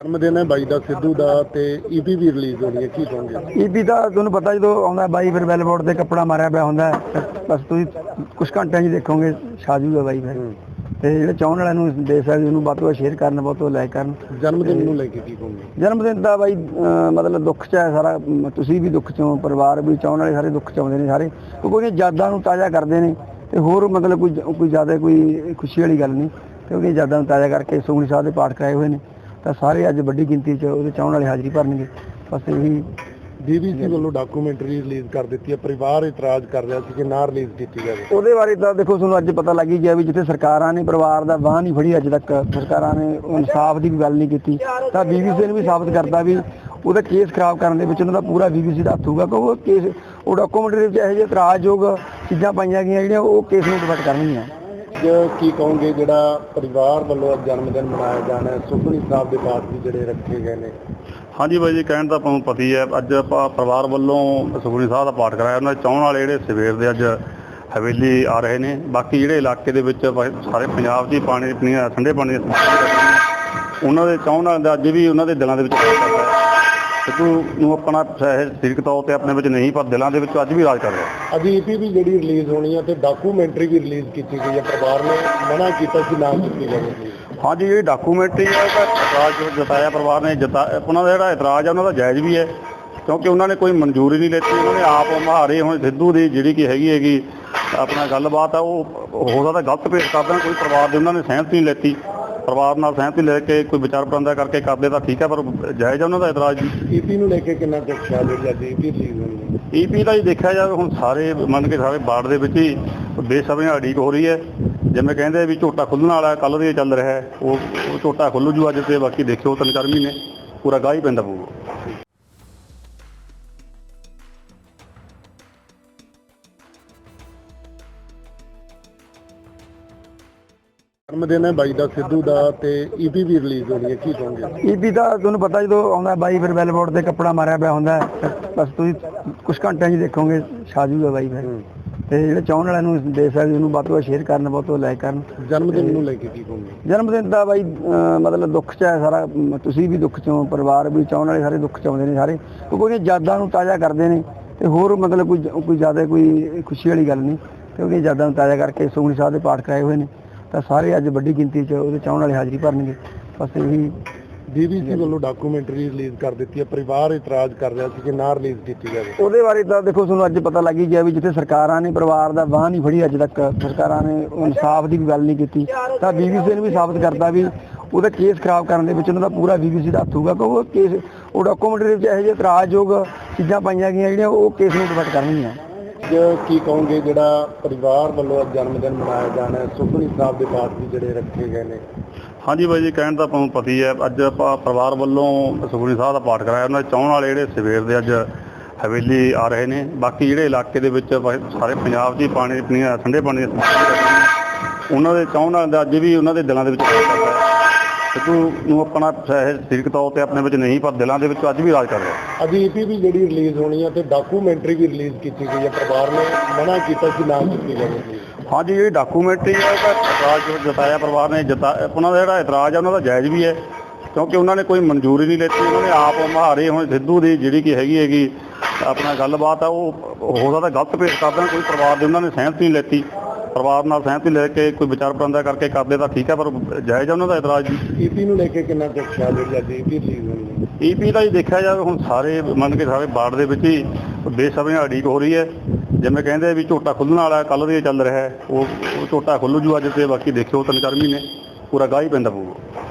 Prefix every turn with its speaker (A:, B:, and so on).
A: ਜਨਮਦਿਨ ਹੈ ਬਾਈ ਦਾ ਸਿੱਧੂ ਦਾ ਤੇ ਈਪੀ ਵੀ ਰਿਲੀਜ਼ ਹੋਣੀ ਹੈ, ਕੀ ਕਹੋਗੇ?
B: ਈਪੀ ਦਾ ਤੁਹਾਨੂੰ ਪਤਾ ਜਦੋਂ ਆਉਂਦਾ ਬਾਈ ਫਿਰ ਬੈਲਬੋਰਡ ਤੇ ਕੱਪੜਾ ਮਾਰਿਆ ਪਿਆ ਹੁੰਦਾ ਬਸ ਤੁਸੀਂ ਕੁਝ ਘੰਟਿਆਂ 'ਚ ਦੇਖੋਗੇ ਛਾ ਜੂਗਾ ਬਾਈ ਫਿਰ ਤੇ ਜਿਹੜੇ ਚਾਹਣ ਵਾਲਿਆਂ ਨੂੰ ਦੇ ਸਕਦੇ ਉਹਨੂੰ ਵੱਧ ਤੋਂ ਵੱਧ ਸ਼ੇਅਰ ਕਰਨ, ਬਹੁਤ ਤੋਂ ਲਾਈਕ ਕਰਨ।
A: ਜਨਮਦਿਨ ਨੂੰ ਲੈ ਕੇ ਕੀ ਕਹੋਗੇ?
B: ਜਨਮਦਿਨ ਦਾ ਬਾਈ ਮਤਲਬ ਦੁੱਖ 'ਚ ਹੈ ਸਾਰਾ, ਤੁਸੀਂ ਵੀ ਦੁੱਖ 'ਚੋਂ, ਪਰਿਵਾਰ ਵੀ, ਚਾਹਣ ਵਾਲੇ ਸਾਰੇ ਦੁੱਖ 'ਚ ਆਉਂਦੇ ਨੇ ਸਾਰੇ, ਕਿਉਂਕਿ ਯਾਦਾਂ ਨੂੰ ਤਾਜ਼ਾ ਕਰਦੇ ਨੇ ਤੇ ਹੋਰ ਮਤਲਬ ਕੋਈ ਜ਼ਿਆਦਾ ਕੋਈ ਖੁਸ਼ੀ ਵਾਲੀ ਗੱਲ ਨਹੀਂ, ਕਿਉਂਕਿ ਯਾਦਾਂ ਨੂੰ ਤਾਜ਼ਾ ਕਰਕੇ ਸੁਖਮਨੀ ਸਾਹਿਬ ਦੇ ਪਾਠ ਕਰਾਏ ਹੋਏ ਨੇ ਤਾਂ ਸਾਰੇ ਅੱਜ ਵੱਡੀ ਗਿਣਤੀ 'ਚ ਉਹਦੇ ਚਾਹਣ ਵਾਲੇ ਹਾਜ਼ਰੀ ਭਰਨਗੇ। ਬਸ ਇਹੀ
A: BBC ਵੱਲੋਂ ਡਾਕੂਮੈਂਟਰੀ ਰਿਲੀਜ਼ ਕਰ ਦਿੱਤੀ ਹੈ, ਪਰਿਵਾਰ ਇਤਰਾਜ਼ ਕਰ ਰਿਹਾ ਸੀ ਕਿ ਨਾ ਰਿਲੀਜ਼ ਕੀਤੀ ਜਾਵੇ।
B: ਉਹਦੇ ਬਾਰੇ ਤਾਂ ਦੇਖੋ ਤੁਹਾਨੂੰ ਅੱਜ ਪਤਾ ਲੱਗ ਹੀ ਗਿਆ ਵੀ ਜਿੱਥੇ ਸਰਕਾਰਾਂ ਨੇ ਪਰਿਵਾਰ ਦਾ ਬਾਂਹ ਨਹੀਂ ਫੜੀ, ਅੱਜ ਤੱਕ ਸਰਕਾਰਾਂ ਨੇ ਇਨਸਾਫ ਦੀ ਵੀ ਗੱਲ ਨਹੀਂ ਕੀਤੀ ਤਾਂ BBC ਨੇ ਵੀ ਸਾਬਤ ਕਰਤਾ ਵੀ ਉਹਦਾ ਕੇਸ ਖਰਾਬ ਕਰਨ ਦੇ ਵਿੱਚ ਉਹਨਾਂ ਦਾ ਪੂਰਾ BBC ਦਾ ਹੱਥ ਹੋਊਗਾ, ਕਿਉਂਕਿ ਉਹ ਕੇਸ ਉਹ ਡਾਕੂਮੈਂਟਰੀ ਵਿੱਚ ਇਹੋ ਜਿਹੇ ਇਤਰਾਜ਼ਯੋਗ ਚੀਜ਼ਾਂ ਪਾਈਆਂ ਗਈਆਂ ਜਿਹੜੀਆਂ ਉਹ ਕੇਸ ਨੂੰ ਡਿਫੈਕਟ ਕਰਨਗੀਆਂ।
A: ਕੀ ਕਹੋਗੇ ਜਿਹੜਾ ਪਰਿਵਾਰ ਵੱਲੋਂ ਜਨਮਦਿਨ ਮਨਾਇਆ ਜਾਣਾ ਹੈ, ਸੁਖਮਨੀ ਸਾਹਿਬ ਦੇ ਪਾਠ ਵੀ ਜਿਹੜੇ ਰੱਖੇ ਗਏ ਨੇ?
C: ਹਾਂਜੀ ਬਾਈ ਜੀ, ਕਹਿਣ ਤਾਂ ਤੁਹਾਨੂੰ ਪਤਾ ਹੀ ਹੈ, ਅੱਜ ਆਪਾਂ ਪਰਿਵਾਰ ਵੱਲੋਂ ਸੁਖਮਨੀ ਸਾਹਿਬ ਦਾ ਪਾਠ ਕਰਾਇਆ। ਉਹਨਾਂ ਦੇ ਚਾਹਣ ਵਾਲੇ ਜਿਹੜੇ ਸਵੇਰ ਦੇ ਅੱਜ ਹਵੇਲੀ ਆ ਰਹੇ ਨੇ, ਬਾਕੀ ਜਿਹੜੇ ਇਲਾਕੇ ਦੇ ਵਿੱਚ ਸਾਰੇ ਪੰਜਾਬ 'ਚ ਹੀ ਪਾਣੀ ਪੀਣੀਆਂ ਠੰਡੇ ਪਾਣੀ ਉਹਨਾਂ ਦੇ ਚਾਹਣ ਵਾਲਿਆਂ ਦਾ ਅੱਜ ਵੀ ਉਹਨਾਂ ਦੇ ਦਿਲਾਂ ਦੇ ਵਿੱਚ ਰਾਜ ਕਰਦਾ ਹੈ। ਸਿੱਧੂ ਨੂੰ ਆਪਣਾ ਸਰੀਰਕ ਤੌਰ 'ਤੇ ਆਪਣੇ ਵਿੱਚ ਨਹੀਂ, ਪਰ ਦਿਲਾਂ ਦੇ ਵਿੱਚ ਅੱਜ ਵੀ ਰਾਜ ਕਰ ਰਿਹਾ।
A: ਅੱਜ ਈਪੀ ਵੀ ਜਿਹੜੀ ਰਿਲੀਜ਼ ਹੋਣੀ ਹੈ ਤੇ ਡਾਕੂਮੈਂਟਰੀ ਵੀ ਰਿਲੀਜ਼ ਕੀਤੀ ਗਈ ਹੈ, ਪਰਿਵਾਰ ਨੇ ਮਨਾ ਕੀਤਾ ਕਿ ਨਾ ਕੀਤੀ ਜਾਵੇ।
C: ਹਾਂਜੀ, ਜਿਹੜੀ ਡਾਕੂਮੈਂਟਰੀ ਹੈ ਉਹਦਾ ਇਤਰਾਜ਼ ਜਤਾਇਆ ਪਰਿਵਾਰ ਨੇ, ਉਹਨਾਂ ਦਾ ਜਿਹੜਾ ਇਤਰਾਜ਼ ਹੈ ਉਹਨਾਂ ਦਾ ਜਾਇਜ਼ ਵੀ ਹੈ, ਕਿਉਂਕਿ ਉਹਨਾਂ ਨੇ ਕੋਈ ਮਨਜ਼ੂਰੀ ਨਹੀਂ ਲੈਤੀ। ਉਹਨਾਂ ਨੇ ਆਪ ਮੁਹਾਰੇ ਹੁਣ ਸਿੱਧੂ ਦੀ ਜਿਹੜੀ ਕਿ ਹੈਗੀ ਆਪਣਾ ਗੱਲਬਾਤ ਆ ਉਹ ਹੋ ਸਕਦਾ ਗਲਤ ਪੇਸ਼ ਕਰ ਦੇਣ, ਕੋਈ ਪਰਿਵਾਰ ਦੇ ਉਹਨਾਂ ਨੇ ਸਹਿਮਤੀ ਨਹੀਂ ਲੈਤੀ। ਪਰਿਵਾਰ ਨਾਲ ਸਹਿਮਤੀ ਲੈ ਕੇ ਕੋਈ ਵਿਚਾਰ ਵਟਾਂਦਰਾ ਕਰਕੇ ਕਰਦੇ ਤਾਂ ਠੀਕ ਹੈ, ਪਰ ਜਾਇਜ਼ ਹੈ ਉਹਨਾਂ ਦਾ ਇਤਰਾਜ਼ ਜੀ।
A: ਈਪੀ ਨੂੰ ਲੈ ਕੇ ਕਿੰਨਾ ਕੁ ਖਿਆਲ ਹੈ ਅੱਜ ਈਪੀ ਰਿਲੀਜ਼ ਹੋਣੀ ਹੈ?
C: ਈਪੀ ਦਾ ਹੀ ਦੇਖਿਆ ਜਾਵੇ ਹੁਣ ਸਾਰੇ ਮੰਨ ਕੇ ਸਾਰੇ ਬਾੜ ਦੇ ਵਿੱਚ ਹੀ ਬੇਸਬਰੀ ਨਾਲ ਉਡੀਕ ਹੋ ਰਹੀ ਹੈ। ਜਿਵੇਂ ਕਹਿੰਦੇ ਵੀ ਝੋਟਾ ਖੁੱਲ੍ਹਣ ਵਾਲਾ ਕੱਲ੍ਹ ਦੇ ਚੱਲ ਰਿਹਾ ਹੈ, ਉਹ ਝੋਟਾ ਖੁੱਲ੍ਹ ਜੂ ਅੱਜ, ਤੇ ਬਾਕੀ ਦੇਖਿਓ 3-4 ਮਹੀਨੇ ਪੂਰਾ ਗਾਹ ਹੀ ਪੈਂਦਾ ਪਊਗਾ।
A: ਜਨਮਦਿਨ ਹੈ ਬਾਈ ਦਾ ਸਿੱਧੂ ਦਾ ਤੇ ਈਪੀ ਵੀ ਰਿਲੀਜ਼ ਹੋਣੀ ਹੈ, ਕੀ ਕਹੋਗੇ?
B: ਈਪੀ ਦਾ ਤੁਹਾਨੂੰ ਪਤਾ ਜਦੋਂ ਆਉਂਦਾ ਬਾਈ ਫਿਰ ਬੈਲਬੋਰਡ ਤੇ ਕੱਪੜਾ ਮਾਰਿਆ ਪਿਆ ਹੁੰਦਾ ਬਸ ਤੁਸੀਂ ਕੁਝ ਘੰਟਿਆਂ 'ਚ ਦੇਖੋਗੇ ਛਾ ਜੂਗਾ ਬਾਈ ਫਿਰ ਤੇ ਜਿਹੜੇ ਚਾਹਣ ਵਾਲਿਆਂ ਨੂੰ ਦੇ ਸਕਦੇ ਉਹਨੂੰ ਵੱਧ ਤੋਂ ਵੱਧ ਸ਼ੇਅਰ ਕਰਨ, ਬਹੁਤ ਤੋਂ ਲਾਈਕ ਕਰਨ।
A: ਜਨਮਦਿਨ ਨੂੰ ਲੈ ਕੇ ਕੀ ਕਹੋਗੇ?
B: ਜਨਮਦਿਨ ਦਾ ਬਾਈ ਮਤਲਬ ਦੁੱਖ 'ਚ ਹੈ ਸਾਰਾ, ਤੁਸੀਂ ਵੀ ਦੁੱਖ 'ਚੋਂ, ਪਰਿਵਾਰ ਵੀ, ਚਾਹਣ ਵਾਲੇ ਸਾਰੇ ਦੁੱਖ 'ਚ ਆਉਂਦੇ ਨੇ ਸਾਰੇ, ਕਿਉਂਕਿ ਯਾਦਾਂ ਨੂੰ ਤਾਜ਼ਾ ਕਰਦੇ ਨੇ ਤੇ ਹੋਰ ਮਤਲਬ ਕੋਈ ਜ਼ਿਆਦਾ ਕੋਈ ਖੁਸ਼ੀ ਵਾਲੀ ਗੱਲ ਨਹੀਂ, ਕਿਉਂਕਿ ਯਾਦਾਂ ਨੂੰ ਤਾਜ਼ਾ ਕਰਕੇ ਸੁਖਮਨੀ ਸਾਹਿਬ ਦੇ ਪਾਠ ਕਰਾਏ ਹੋਏ ਨੇ ਤਾਂ ਸਾਰੇ ਅੱਜ ਵੱਡੀ ਗਿਣਤੀ 'ਚ ਉਹਦੇ ਚਾਹਣ ਵਾਲੇ ਹਾਜ਼ਰੀ ਭਰਨਗੇ। ਬਸ ਇਹੀ
A: BBC ਵੱਲੋਂ ਡਾਕੂਮੈਂਟਰੀ ਰਿਲੀਜ਼ ਕਰ ਦਿੱਤੀ ਹੈ, ਪਰਿਵਾਰ ਇਤਰਾਜ਼ ਕਰ ਰਿਹਾ ਸੀ ਕਿ ਨਾ ਰਿਲੀਜ਼ ਕੀਤੀ ਜਾਵੇ।
B: ਉਹਦੇ ਬਾਰੇ ਤਾਂ ਦੇਖੋ ਤੁਹਾਨੂੰ ਅੱਜ ਪਤਾ ਲੱਗ ਹੀ ਗਿਆ ਵੀ ਜਿੱਥੇ ਸਰਕਾਰਾਂ ਨੇ ਪਰਿਵਾਰ ਦਾ ਬਾਂਹ ਨਹੀਂ ਫੜੀ, ਅੱਜ ਤੱਕ ਸਰਕਾਰਾਂ ਨੇ ਇਨਸਾਫ ਦੀ ਵੀ ਗੱਲ ਨਹੀਂ ਕੀਤੀ ਤਾਂ BBC ਨੇ ਵੀ ਸਾਬਤ ਕਰਤਾ ਵੀ ਉਹਦਾ ਕੇਸ ਖਰਾਬ ਕਰਨ ਦੇ ਵਿੱਚ ਉਹਨਾਂ ਦਾ ਪੂਰਾ BBC ਦਾ ਹੱਥ ਹੋਊਗਾ, ਕਿਉਂਕਿ ਉਹ ਕੇਸ ਉਹ ਡਾਕੂਮੈਂਟਰੀ ਵਿੱਚ ਇਹੋ ਜਿਹੇ ਇਤਰਾਜ਼ਯੋਗ ਚੀਜ਼ਾਂ ਪਾਈਆਂ ਗਈਆਂ ਜਿਹੜੀਆਂ ਉਹ ਕੇਸ ਨੂੰ ਡਿਫੈਕਟ ਕਰਨਗੀਆਂ।
A: ਕੀ ਕਹੋਗੇ ਜਿਹੜਾ ਪਰਿਵਾਰ ਵੱਲੋਂ ਜਨਮਦਿਨ ਮਨਾਇਆ ਜਾਣਾ ਹੈ, ਸੁਖਮਨੀ ਸਾਹਿਬ ਦੇ ਪਾਠ ਵੀ ਜਿਹੜੇ ਰੱਖੇ ਗਏ ਨੇ?
C: ਹਾਂਜੀ ਬਾਈ ਜੀ, ਕਹਿਣ ਤਾਂ ਤੁਹਾਨੂੰ ਪਤਾ ਹੀ ਹੈ, ਅੱਜ ਆਪਾਂ ਪਰਿਵਾਰ ਵੱਲੋਂ ਸੁਖਮਨੀ ਸਾਹਿਬ ਦਾ ਪਾਠ ਕਰਾਇਆ। ਉਹਨਾਂ ਦੇ ਚਾਹਣ ਵਾਲੇ ਜਿਹੜੇ ਸਵੇਰ ਦੇ ਅੱਜ ਹਵੇਲੀ ਆ ਰਹੇ ਨੇ, ਬਾਕੀ ਜਿਹੜੇ ਇਲਾਕੇ ਦੇ ਵਿੱਚ ਸਾਰੇ ਪੰਜਾਬ 'ਚ ਹੀ ਪਾਣੀ ਪੀਣੀਆਂ ਠੰਡੇ ਪਾਣੀ ਉਹਨਾਂ ਦੇ ਚਾਹਣ ਵਾਲਿਆਂ ਦਾ ਅੱਜ ਵੀ ਉਹਨਾਂ ਦੇ ਦਿਲਾਂ ਦੇ ਵਿੱਚ ਰਾਜ ਕਰਦਾ ਹੈ। ਸਿੱਧੂ ਨੂੰ ਆਪਣਾ ਸਰੀਰਕ ਤੌਰ 'ਤੇ ਆਪਣੇ ਵਿੱਚ ਨਹੀਂ, ਪਰ ਦਿਲਾਂ ਦੇ ਵਿੱਚ ਅੱਜ ਵੀ ਰਾਜ ਕਰ ਰਿਹਾ।
A: ਅੱਜ ਈਪੀ ਵੀ ਜਿਹੜੀ ਰਿਲੀਜ਼ ਹੋਣੀ ਹੈ ਤੇ ਡਾਕੂਮੈਂਟਰੀ ਵੀ ਰਿਲੀਜ਼ ਕੀਤੀ ਗਈ ਹੈ, ਪਰਿਵਾਰ ਨੇ ਮਨਾ ਕੀਤਾ ਕਿ ਨਾ ਕੀਤੀ ਜਾਵੇ।
C: ਹਾਂਜੀ, ਜਿਹੜੀ ਡਾਕੂਮੈਂਟਰੀ ਹੈ ਉਹਦਾ ਇਤਰਾਜ਼ ਜਤਾਇਆ ਪਰਿਵਾਰ ਨੇ, ਉਹਨਾਂ ਦਾ ਜਿਹੜਾ ਇਤਰਾਜ਼ ਹੈ ਉਹਨਾਂ ਦਾ ਜਾਇਜ਼ ਵੀ ਹੈ, ਕਿਉਂਕਿ ਉਹਨਾਂ ਨੇ ਕੋਈ ਮਨਜ਼ੂਰੀ ਨਹੀਂ ਲੈਤੀ। ਉਹਨਾਂ ਨੇ ਆਪ ਮੁਹਾਰੇ ਹੁਣ ਸਿੱਧੂ ਦੀ ਜਿਹੜੀ ਕਿ ਹੈਗੀ ਆਪਣਾ ਗੱਲਬਾਤ ਆ ਉਹ ਹੋ ਸਕਦਾ ਗਲਤ ਪੇਸ਼ ਕਰ ਦੇਣ, ਕੋਈ ਪਰਿਵਾਰ ਦੇ ਉਹਨਾਂ ਨੇ ਸਹਿਮਤੀ ਨਹੀਂ ਲੈਤੀ। ਪਰਿਵਾਰ ਨਾਲ ਸਹਿਮਤੀ ਲੈ ਕੇ ਕੋਈ ਵਿਚਾਰ ਵਟਾਂਦਰਾ ਕਰਕੇ ਕਰਦੇ ਤਾਂ ਠੀਕ ਹੈ, ਪਰ ਜਾਇਜ਼ ਹੈ ਉਹਨਾਂ ਦਾ ਇਤਰਾਜ਼ ਜੀ।
A: ਈਪੀ ਨੂੰ ਲੈ ਕੇ ਕਿੰਨਾ ਕੁ ਖਿਆਲ ਹੈ ਅੱਜ ਈਪੀ ਰਿਲੀਜ਼ ਹੋਣੀ ਹੈ?
C: ਈਪੀ ਦਾ ਹੀ ਦੇਖਿਆ ਜਾਵੇ ਹੁਣ ਸਾਰੇ ਮੰਨ ਕੇ ਸਾਰੇ ਬਾੜ ਦੇ ਵਿੱਚ ਹੀ ਬੇਸਬਰੀ ਨਾਲ ਉਡੀਕ ਹੋ ਰਹੀ ਹੈ। ਜਿਵੇਂ ਕਹਿੰਦੇ ਵੀ ਝੋਟਾ ਖੁੱਲ੍ਹਣ ਵਾਲਾ ਕੱਲ੍ਹ ਦੇ ਚੱਲ ਰਿਹਾ ਹੈ, ਉਹ ਝੋਟਾ ਖੁੱਲ੍ਹ ਜੂ ਅੱਜ, ਤੇ ਬਾਕੀ ਦੇਖਿਓ 3-4 ਮਹੀਨੇ ਪੂਰਾ ਗਾਹ ਹੀ ਪੈਂਦਾ ਪਊਗਾ।